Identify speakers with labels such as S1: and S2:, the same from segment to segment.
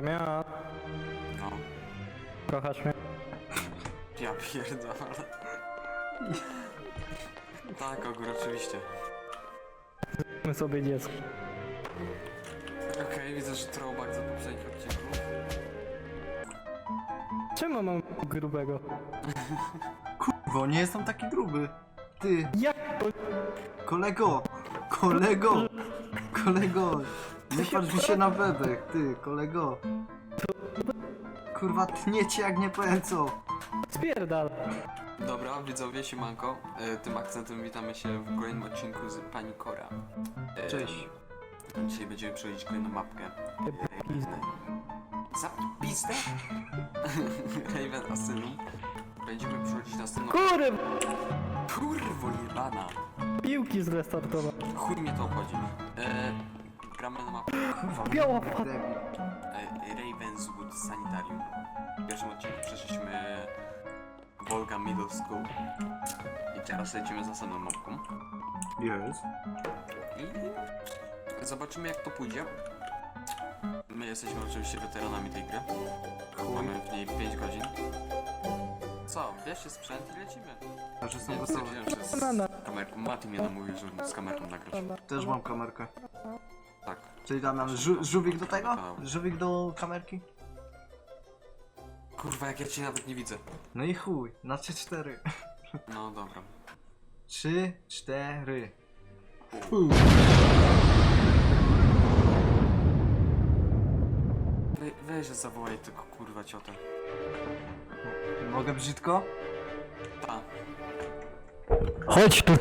S1: Miał.
S2: No.
S1: Kochasz mnie?
S2: Ja pierdolę. Tak, Ogór, oczywiście.
S1: My sobie dziecko.
S2: Okej, widzę, że throwback za poprzednich odcinków.
S1: Czemu mam grubego?
S3: Bo nie jestem taki gruby. Ty,
S1: Jak to?
S3: kolego! Kolego! Kolego! Nie patrz mi się na bebek, ty, kolego! Kurwa, tniecie jak nie powiem co!
S1: Spierdal.
S2: Dobra, widzowie, siemanko. Tym akcentem witamy się w kolejnym odcinku z Pani Kora.
S3: Cześć.
S2: Dzisiaj będziemy przechodzić kolejną mapkę. Zapiste? Raven Asylum. Będziemy przechodzić następną... Kurwo jebana!
S1: Piłki zrestartował.
S2: Chuj mnie to obchodzi. Gramy na mapę
S1: Biała
S3: Debil.
S2: Ravenswood Sanitarium. W pierwszym odcinku przeszliśmy Volga Middle School. I teraz lecimy z następną mapką.
S3: Jest.
S2: I zobaczymy, jak to pójdzie. My jesteśmy oczywiście weteranami tej gry. Mamy w niej 5 godzin. Co? Bierzcie sprzęt i lecimy.
S3: Aż jestem
S2: Nie
S3: gotowy.
S2: stwierdziłem, że z kamerką. Mati mnie namówił, żeby z kamerką nagrać.
S3: Też mam kamerkę.
S2: Tak.
S3: Czyli Damian, żółwik do tego? Żółwik do kamerki?
S2: Kurwa, jak ja cię nawet nie widzę.
S3: No i chuj, na 3-4.
S2: No dobra.
S3: 3-4.
S2: Weź, zawołaj tylko kurwa ciotę.
S3: Mogę brzydko?
S2: Ta.
S1: Chodź tu,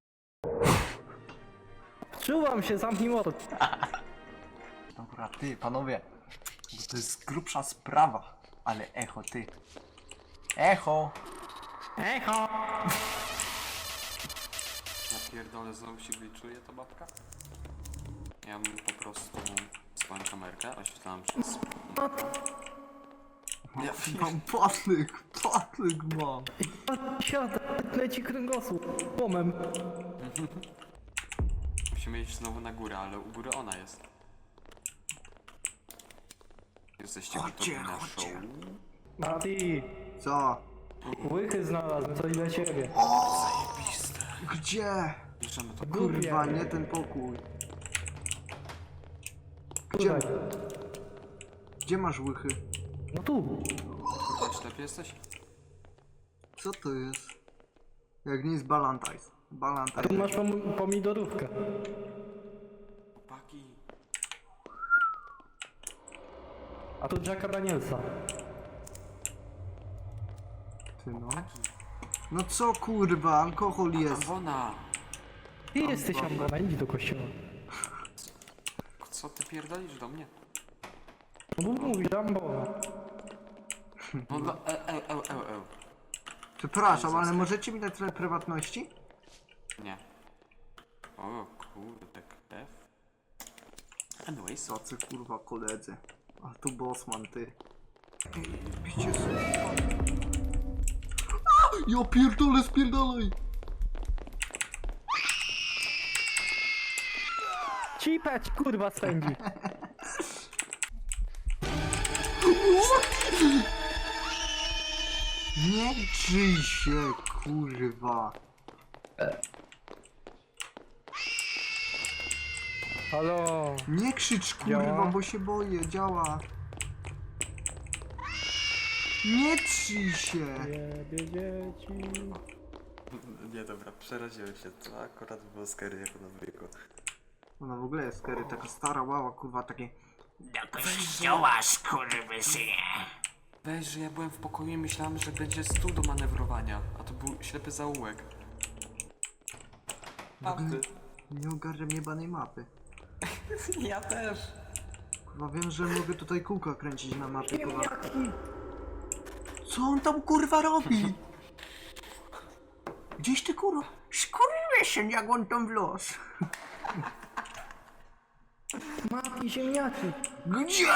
S1: Czuwam się, zamknij mord.
S3: Dobra, ty, panowie. Bo to jest grubsza sprawa. Ale echo, ty. Echo!
S1: Echo!
S2: Ja pierdolę, znowu się glitchuje ta babka. Ja bym po prostu swoją kamerkę oświetlałem przez... Ja
S3: Mam patlyk mam.
S1: Siada, leci kręgosłup. Pomem.
S2: Musimy iść znowu na górę, ale u góry ona jest. Jesteście gotowi na
S3: chodźcie.
S2: show?
S1: Mati,
S3: Co?
S1: łychy znalazłem, coś dla ciebie.
S2: Zajebiste.
S3: Gdzie?
S2: Bierzemy to.
S3: Kurwa, nie ten pokój. Gdzie?
S1: Tutaj.
S3: Gdzie masz łychy?
S1: No tu.
S2: Kurwa, ślepy jesteś?
S3: Co to jest? Jak nie jest Balantajs.
S1: Tu
S3: Balantajs.
S1: masz pomidorówkę.
S2: Chłopaki.
S1: A tu Jacka Danielsa.
S3: Ty no. No co kurwa, alkohol jest.
S2: Awona!
S1: Ty jesteś Ambona, idź do kościoła.
S2: Co ty pierdolisz do mnie?
S1: No bo mówisz Ambona.
S2: No dla...
S3: Przepraszam, ale możecie mi dać trochę prywatności?
S2: Nie. O kurde, krew. Anyways.
S3: Tacy kurwa koledzy. A tu bossman, ty. Bicie sobie. Ja pierdolę, spierdalaj!
S1: Cipać, kurwa, sędzi.
S3: Nie drzyj się, kurwa.
S1: Halo.
S3: Nie krzycz, kurwa,
S1: Działa?
S3: bo się boję, działa. Nie drzyj się.
S1: Jebie dzieci.
S2: Nie dobra, przeraziłem się. To akurat było scary jako na wieku.
S3: Ona w ogóle jest scary, taka stara łała, kurwa, takie...
S4: Do kościoła, skurwysynie!
S2: Weź, że ja byłem w pokoju i myślałem, że będzie stół do manewrowania, a to był ślepy zaułek. Prawdy.
S3: Nie ogarniam jebanej mapy.
S2: Ja też.
S3: Kurwa, wiem, że mogę tutaj kółka kręcić na mapie, kurwa. Co on tam, kurwa, robi? Gdzieś ty, kurwa? Skurwysyn, jak on tam wlósł.
S1: Mati, ziemniaki.
S3: Gdzie?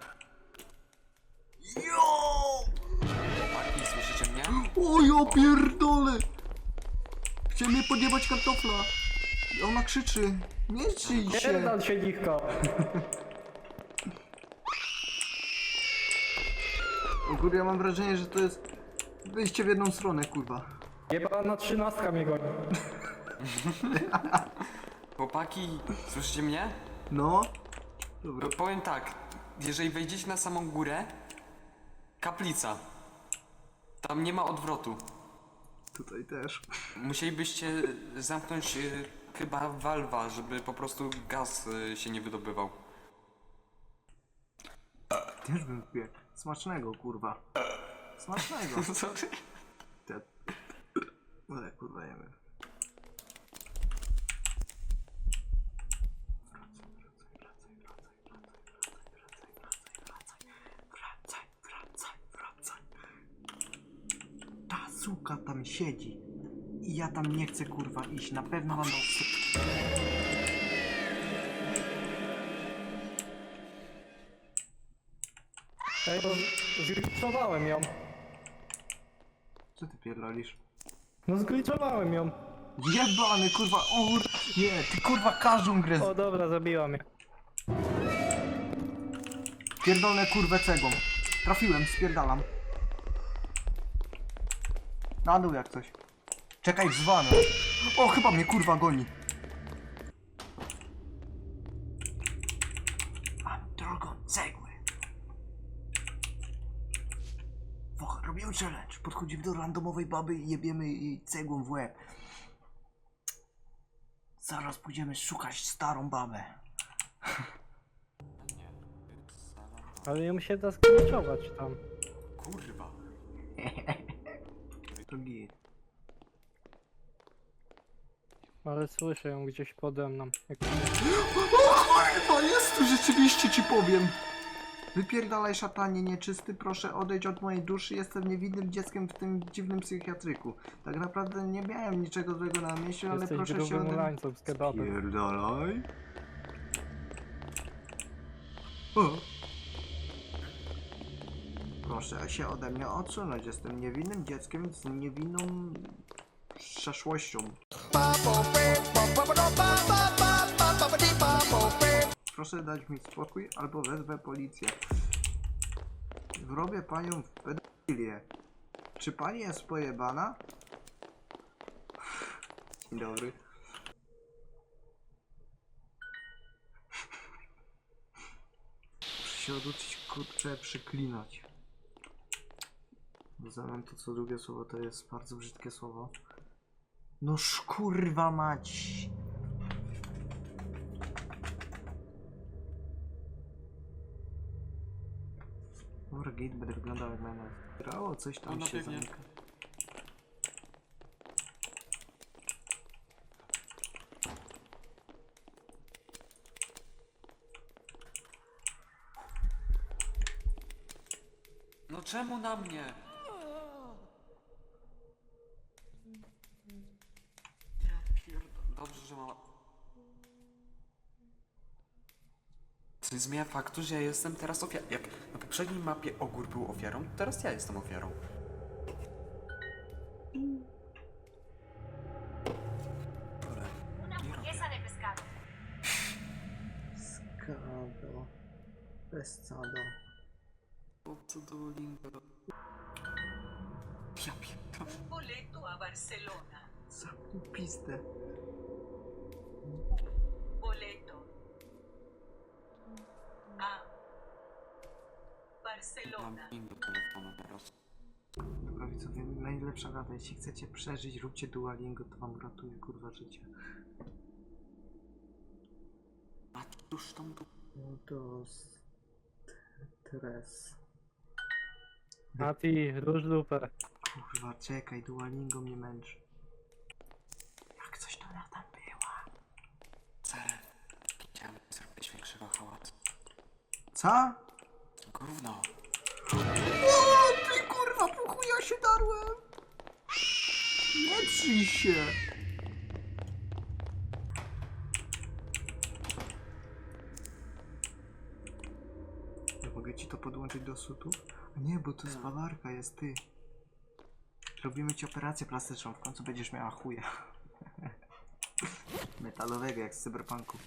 S3: Jo!
S2: Chłopaki, słyszycie mnie?
S3: O ja pierdolę! Chciałem mnie podjebać kartofla. I ona krzyczy. Nie drzyj się.
S1: Pierdol się, dziwko.
S3: Ogólnie ja mam wrażenie, że to jest wyjście w jedną stronę, kurwa.
S1: Jebana 13 mnie goni.
S2: Chłopaki, słyszycie mnie?
S3: No. Dobra.
S2: Powiem tak, jeżeli wejdziecie na samą górę, kaplica. Tam nie ma odwrotu.
S3: Tutaj też.
S2: Musielibyście zamknąć chyba walwa, żeby po prostu gaz się nie wydobywał.
S3: Też bym wbiegł. Smacznego, kurwa. Smacznego.
S2: Co ty?
S3: Te... Ale kurwa jemy. Wracaj. Ta suka tam siedzi. I ja tam nie chcę kurwa iść. Na pewno mam...
S1: Ej, bo zgliczowałem ją.
S3: Co ty pierdolisz?
S1: No zgliczowałem ją.
S3: Jebany kurwa, nie, ty kurwa każdą grę
S1: O dobra, zabiła mnie.
S3: pierdolę kurwę cegą. Trafiłem, spierdalam. Na dół jak coś. Czekaj, wzwanę. O, chyba mnie kurwa goni. Mam drogą cegły. Robimy challenge. Podchodzimy do randomowej baby i jebiemy jej cegłą w łeb. Zaraz pójdziemy szukać starą babę.
S1: Ale ją się da zgliczować tam.
S2: Kurwa.
S3: To git.
S1: Ale słyszę ją gdzieś pode mną. Jak...
S3: To jest tu rzeczywiście, ci powiem. Wypierdalaj szatanie nieczysty, proszę odejdź od mojej duszy, jestem niewinnym dzieckiem w tym dziwnym psychiatryku. Tak naprawdę nie miałem niczego złego na myśli, ale
S1: Jesteś
S3: proszę się
S1: grubym
S3: ode mnie...
S1: ulańcą z kebabem.
S3: Pierdalaj. O. Proszę się ode mnie odsunąć, jestem niewinnym dzieckiem z niewinną przeszłością. Proszę dać mi spokój, albo wezwę policję. Wrobię panią w pedofilię. Czy pani jest pojebana? Dzień dobry. Muszę się oduczyć, kurczę, przeklinać. Bo zamiast to co drugie słowo to jest bardzo brzydkie słowo. No kurwa mać. Dobra, gate będę wyglądał jak będę grało, coś tam
S2: No,
S3: się
S2: pewnie.
S3: zamyka.
S2: No czemu na mnie? Ja Dobrze, że mama... Co nie zmienia faktu, że ja jestem teraz ofiarą. Jak na poprzedniej mapie Ogór był ofiarą, teraz ja jestem ofiarą. Dobra, nie robię.
S5: de pescado.
S3: Skado. Pescado.
S2: O, co do lingo. Ja pierdolę.
S5: Boleto a Barcelona.
S3: Zamknij pizdę.
S5: Boleto a Barcelona.
S2: Mam link do telefonu teraz.
S3: Dobra widzowie, najlepsza rada, jeśli chcecie przeżyć, róbcie Duolingo, to wam ratuje kurwa życie.
S2: A już tam tu.
S3: Dos... Tres.
S1: Mati, róż dupę.
S3: Kurwa, czekaj, Duolingo mnie męczy. Jak coś to ona tam była.
S2: Cel. Chciałem zrobić większego hałasu.
S3: Co?
S2: Gówno.
S3: O, ty kurwa, po chuja się darłem! Nie trzyj się! Ja mogę ci to podłączyć do sutów? A nie, bo to spawarka jest, ty. Robimy ci operację plastyczną, w końcu będziesz miała chuja. Metalowego, jak z cyberpunku.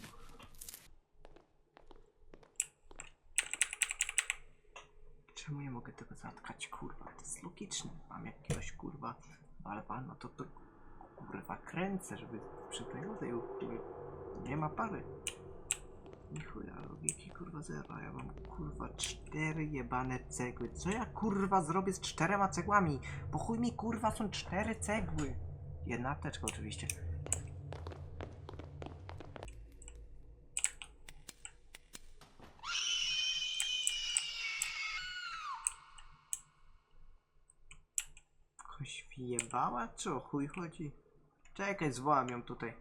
S3: czemu nie mogę tego zatkać, kurwa? To jest logiczne. Mam jakiegoś, kurwa, balba, no to kurwa, kręcę, żeby przy tej rodzaju, nie ma pary. Ni chuja, logiki, kurwa, zero. Ja mam, kurwa, 4 jebane cegły. Co ja, kurwa, zrobię z 4 cegłami? Po chuj mi, kurwa, są 4 cegły. Jedna apteczka, oczywiście. Koś wjebała? Czy o chuj chodzi? Czekaj, zwołam ją tutaj.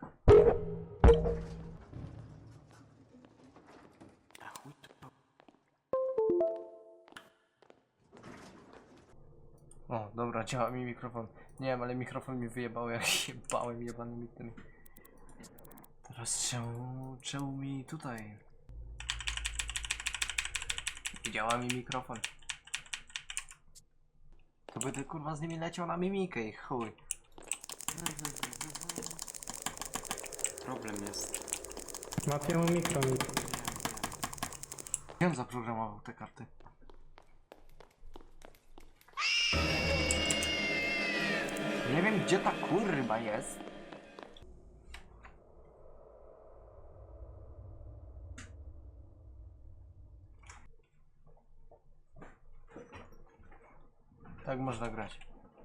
S2: A chuj to.
S3: O, dobra, działa mi mikrofon. Nie wiem, ale mikrofon mi wyjebał, jak się bałem jebanymi tymi. Teraz czemu mi tutaj? Działa mi mikrofon. To będę, kurwa, z nimi leciał na mimikę i chuj.
S2: Problem jest.
S1: Matiemu mikro.
S3: Wiem, zaprogramował te karty. Nie wiem, gdzie ta kurwa jest. Tak można grać.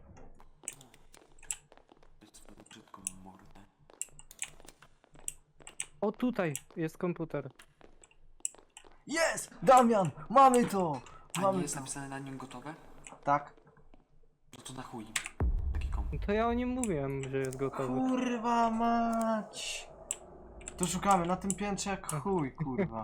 S2: Swoją brzydką mordę.
S1: O, tutaj jest komputer.
S3: Jest! Damian! Mamy to!
S2: A
S3: Mamy
S2: nie jest
S3: to!
S2: napisane na nim gotowe?
S3: Tak.
S2: No to na chuj. Taki komp.
S1: To ja o nim mówiłem, że jest gotowy.
S3: Kurwa mać! To szukamy na tym piętrze jak chuj, kurwa.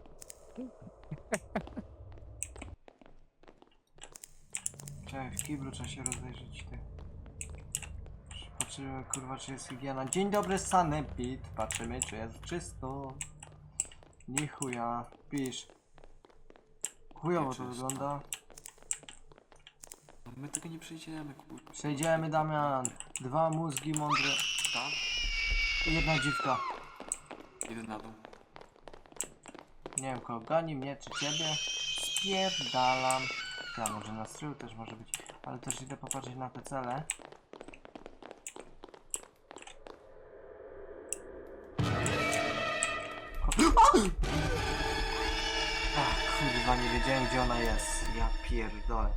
S3: Czekaj, w kiblu trzeba się rozejrzeć, ty. Patrzymy, kurwa, czy jest higiena. Dzień dobry, sanepid. Patrzymy, czy jest czysto. Ni chuja. Pisz. Chujowo to
S2: Nieczysto.
S3: wygląda.
S2: No my tego nie przejdziemy, kur...
S3: Przejdziemy, Damian. 2 mózgi mądre.
S2: Ta?
S3: I 1 dziwka.
S2: Idę na dół.
S3: Nie wiem, kogo goni, mnie czy ciebie. Spierdalam. Ja, może na strył też może być. Ale też idę popatrzeć na te cele. Ach, kurwa, nie wiedziałem, gdzie ona jest. Ja pierdolę.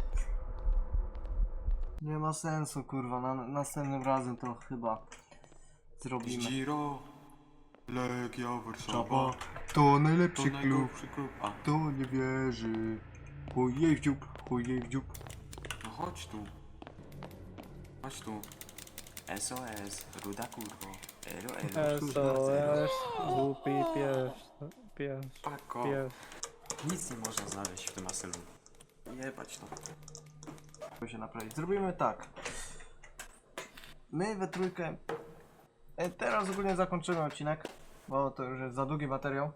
S3: Nie ma sensu, kurwa. Następnym razem to chyba zrobimy.
S2: Giro. Legia Warszawa.
S3: To
S2: To
S3: najlepszy klub.
S2: najgorszy klub. A,
S3: To nie wierzy. Chuj jej w dziób, chuj jej w dziób.
S2: no chodź tu. Chodź tu. SOS. Ruda kurwo. Elo, elo.
S1: SOS, głupi pies,
S2: Pako.
S1: pies.
S2: Nic nie można znaleźć w tym asylu. Jebać to.
S3: Chcę się naprawić. Zrobimy tak. My we trójkę. Teraz ogólnie zakończymy odcinek, bo to już jest za długi materiał.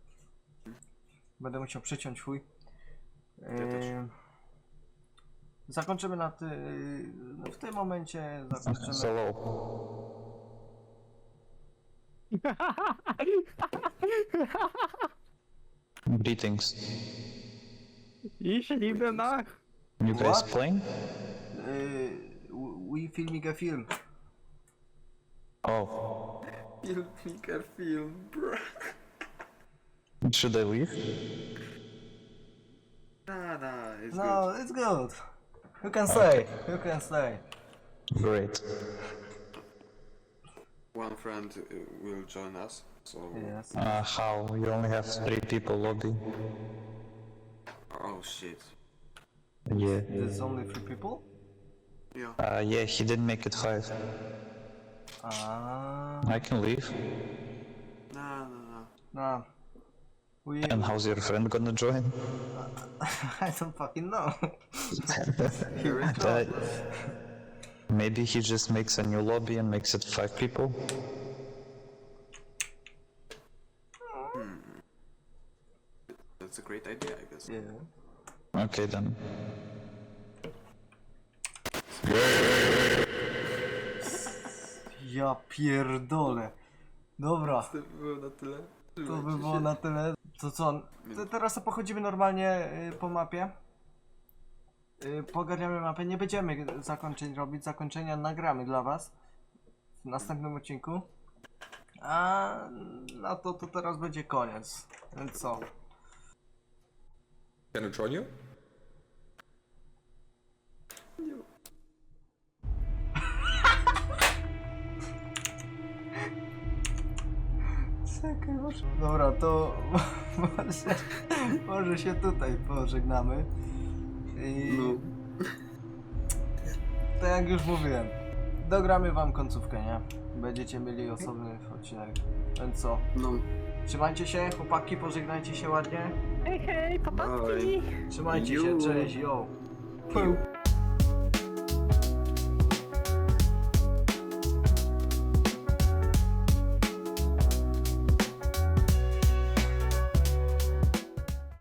S3: Będę musiał przyciąć chuj.
S2: też.
S3: Zakończymy na no w tym momencie zakończymy.
S6: Hello. Greetings.
S1: Ich liebe nach.
S6: You guys
S3: What?
S6: playing?
S3: We filming a film.
S6: Oh.
S2: Filmmaker film, bro.
S6: Should I leave?
S2: Nah, it's
S3: No, it's good. You can stay. You can stay.
S6: Great.
S2: One friend will join us, so...
S3: Yes.
S6: How? You only have 3 people lobby.
S2: Oh shit.
S6: Yeah.
S3: There's only 3 people.
S2: Yeah.
S6: Yeah, he didn't make it 5.
S3: Ah.
S6: I can leave.
S2: No.
S3: Nah. We.
S6: And how's your friend gonna join?
S3: I don't fucking know.
S6: Uh, maybe he just makes a new lobby and makes it 5 people?
S2: That's a great idea, I guess.
S3: Yeah.
S6: Okay then.
S3: Ja pierdolę. Dobra,
S2: To by było na tyle.
S3: to by było na tyle. To co? Teraz to pochodzimy normalnie po mapie. pogarniamy mapę, nie będziemy zakończeń robić, zakończenia nagramy dla was w następnym odcinku. A na to teraz będzie koniec, więc co?
S7: Can I join you?
S3: Czekaj, dobra, to może się tutaj pożegnamy. I tak jak już mówiłem, dogramy wam końcówkę, nie? Będziecie mieli osobny odcinek. Więc co?
S7: No.
S3: Trzymajcie się, chłopaki, pożegnajcie się ładnie.
S1: Hej, hej, papatki!
S3: Trzymajcie się, cześć, yo.